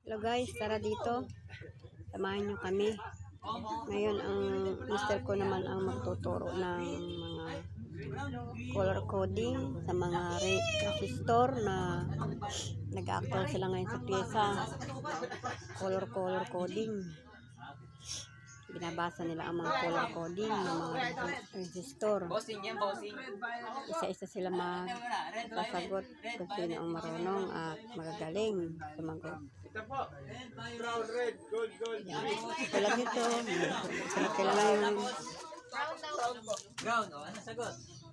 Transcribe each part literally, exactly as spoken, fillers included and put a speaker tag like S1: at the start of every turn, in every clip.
S1: Hello guys, tara dito. Samahan nyo kami. Ngayon, ang mister ko naman ang magtuturo ng mga color coding sa mga resistor na nag-actual sila ngayon sa pyesa. Color color coding. Binabasa nila ang mga color coding ng mga resistor. Isa-isa sila magsasagot kung sino ang marunong at magagaling sumagot.
S2: Ito po. Brown, red, gold, gold.
S1: Tulad nito, sila kailangan yung
S3: Brown, oh, ano sagot?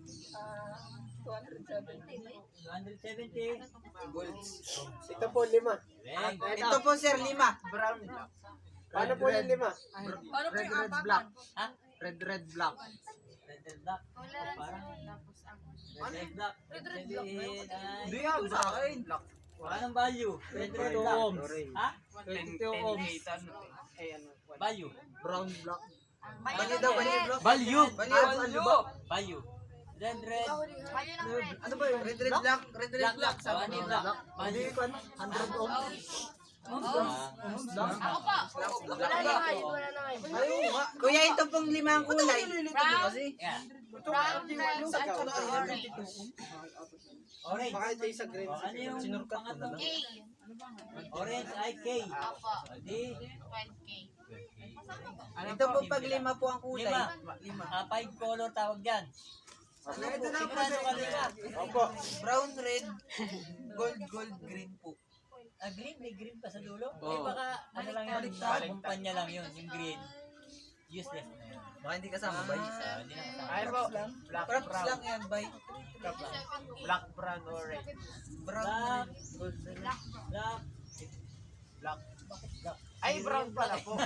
S3: two hundred seventy. Gold.
S2: Ito po, lima.
S4: Ito po sir, lima.
S2: Brown. Paano po yung lima?
S4: Red, red, black.
S3: Ha?
S4: Red, red, black.
S3: Red, red, black. Parang red, red, black. Red, red, black.
S4: Hindi yan, sa akin.
S3: Anong value? Red, red, black. Ha?
S4: twenty-two ohms.
S3: Value.
S4: Brown, black. Value daw, value, black.
S3: Value.
S4: Value, value.
S3: Value. Red, red.
S4: Ano ba yun? Red, red, black. Red, red,
S3: Black,
S4: black.
S3: black. Oh, ano yung black? Value.
S4: one hundred ohms.
S3: Ah,
S5: Ako pa. Wala naman, wala naman.
S4: Ayun, kuya, ito pong limang kulay.
S5: Brown,
S3: yeah.
S5: brown, red, at orange.
S3: Orange.
S2: Baka ito yung sa green.
S3: Oh, ano yung pangatlo?
S5: K.
S3: Orange ay K.
S5: Opo.
S3: Di.
S5: twelve K.
S4: Ito po pag lima po ang kulay.
S3: Lima. Ah, five color tawag dyan.
S4: Ito na po
S3: Sigurado ka lima.
S2: Opo.
S4: brown, red, gold, gold, green po.
S3: Ah, green, may green pa sa dulo? Eh baka ano lang yun, kumpanya lang yun, yung green. Useless na yun.
S4: Baka hindi kasama, bay.
S3: Ah, hindi na kasama.
S2: Ay po. Black,
S4: Props
S2: brown.
S4: lang yan, bay.
S2: Black, brown, or red.
S4: Brown,
S3: Black,
S4: red.
S3: black,
S2: Black.
S3: bakit black?
S2: Ay, brown pala po.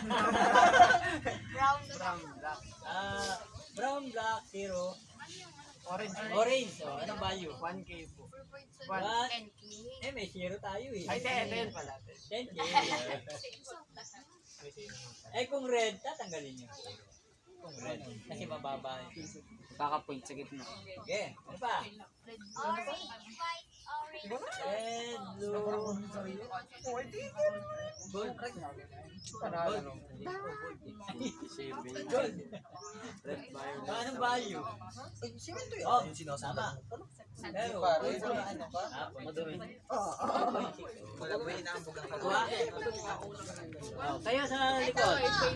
S5: Brown,
S2: Brown, black.
S3: Ah, brown, black, zero.
S2: Orange.
S3: Orange, oh, anong value?
S2: one K po.
S3: One.
S5: ten K.
S3: Eh, may zero tayo eh.
S2: Ay, ten, ten pala.
S3: ten K. Eh, kung red, tatanggalin nyo. Kung red, kasi mababa.
S4: Baka point sa gitna.
S3: Okay, ano pa?
S5: Orange, white, orange.
S3: Red, blue, gold.
S2: Panalo.
S3: Gold. Ah, anong value? Oh, tama. Pero,
S4: Ano ka?
S3: ah,
S4: Madumi.
S3: point.
S4: Wala ba inaambog ang
S3: Kuha. Oh, kayo sa likod.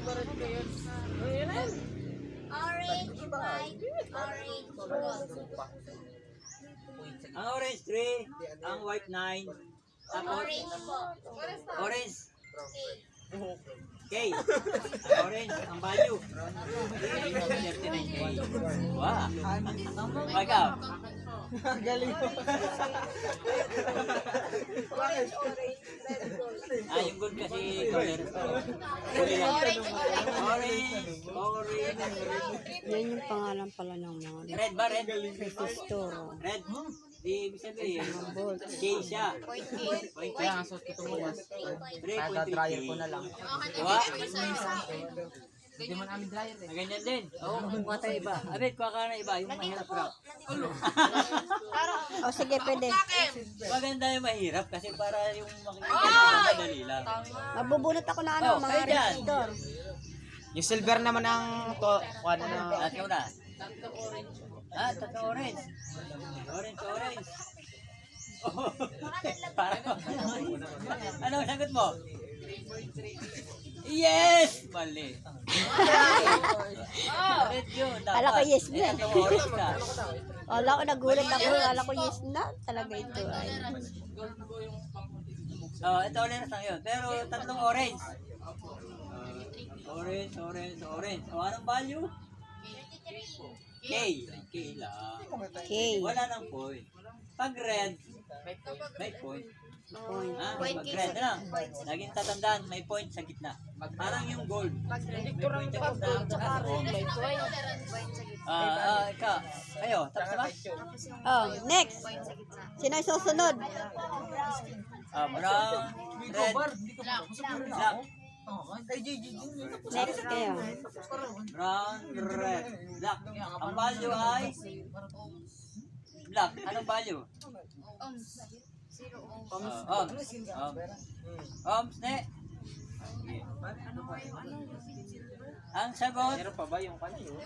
S5: Orange, white, orange, gold.
S3: Ang orange three, ang white nine, tapos
S5: Orange po.
S3: orange
S5: K.
S3: K. Ang orange, ang value. thirty-nine K. Wow. Ikaw.
S4: Galing mo.
S5: Orange, orange, red, gold.
S3: Ah, yung gold kasi color. Huli lang. Orange, orange,
S1: yan yung pangalan pala ng mga
S3: red ba? Red?
S1: resistor.
S3: Red? Di ibig sabihin,
S1: Volt.
S3: K siya.
S5: Point K.
S3: Point
S4: Kaya nga suot ko itong bukas.
S3: three point three
S4: dryer
S3: K.
S4: ko na lang.
S3: Diba?
S4: Hindi man amin dryer eh.
S3: Ganyan din. Oo, kumuha tayo iba. Abit, kuha ka na iba. Yung mahirap rock.
S1: O sige, pwede.
S3: Maganda yung mahirap kasi para yung makikita madali lang.
S1: Mabubunot ako na ano,
S3: Oh,
S1: mga
S3: kayo dyan.
S1: resistor.
S4: Yung silver naman ang to, ano na.
S3: At ikaw na. Ah, tatlo orange. Orange, orange. Oh, para ano ang sagot mo? Yes! Mali. Red yun. dapat.
S1: Kala ko yes na.
S3: Eh, tatlong orange ka.
S1: Wala ko, nagulat ako. Kala ko yes na. Talaga ito ay.
S3: Oh, ito orange lang yun. Pero tatlong orange. Orange, orange, orange. O, anong value? K. K lang.
S1: Okay.
S3: Wala nang point. Pag red, may point.
S1: Point.
S3: Ah,
S5: Point
S3: pag
S5: K
S3: red
S5: sa-
S3: lang.
S5: point.
S3: Laging tatandaan, may point sa gitna. Parang yung gold. May point sa gitna.
S5: May point. Point sa gitna.
S3: Ah, ah, ikaw. Kayo, tapos na ba?
S1: Oh, next.
S5: Point sa gitna.
S1: Sino ay susunod?
S3: Ah, brown, red, black.
S4: Ay, J J,
S1: Next kayo.
S3: Brown, red, black. Ang value ay black. Anong value?
S5: Ohms.
S3: Oh, Oms. Oms. Oms, ne. Sige. Ang sagot.
S4: Meron pa ba yung kanya yun?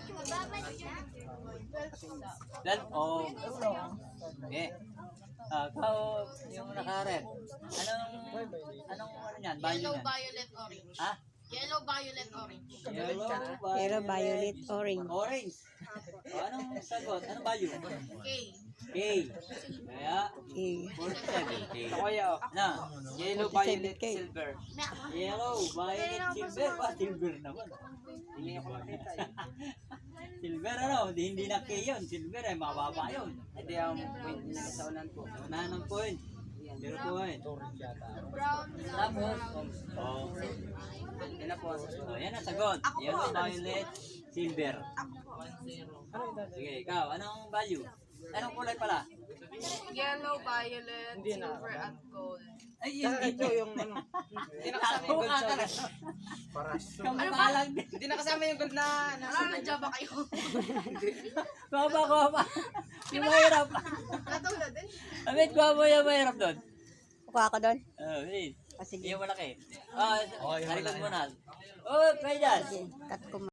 S3: Dan, oh. Okay. Ah, ikaw yung nakaret. Anong, anong ano yan? Value
S5: Yellow,
S3: yan?
S5: violet, orange.
S3: Ha?
S5: Yellow, violet, orange.
S3: Yellow,
S1: Pero violet, orange.
S3: Orange. Oh, anong sagot? Anong value?
S5: K.
S3: K. Kaya,
S1: Okay.
S3: forty-seven K.
S4: Ito kaya oh.
S3: Na,
S4: Yellow,
S1: forty-seven
S4: violet,
S1: K.
S4: silver.
S3: yellow, violet, silver. Pa, silver naman.
S4: Tingin ko lang kita eh.
S3: Silver ano? Hindi, hindi na K yun. Silver ay mababa yun.
S4: Hindi ang point na sa unan ko.
S3: Unahan ng point. Zero point.
S5: Brown,
S3: Tapos, oh.
S4: Yan na po ang susunod.
S3: So, yan ang sagot. Yellow, violet, silver. Sige, ikaw, anong value? Anong kulay pala?
S5: Yellow, violet, silver, at gold.
S3: Ay, yun,
S4: Ito yung ano. Hindi nakasama yung gold sa unan.
S3: Kamukha lang din.
S4: Hindi nakasama yung gold na nasa
S5: Ano, nandiyan ba kayo?
S3: Kuha kuha pa. Yung mahirap.
S5: Natulad din.
S3: Amit, kuha mo yung mahirap doon.
S1: Kuha ako doon.
S3: Oh, wait.
S1: Ah, sige.
S3: Yung malaki. Ah, sa likod mo na. Oh, kaya dyan.
S1: Cut ko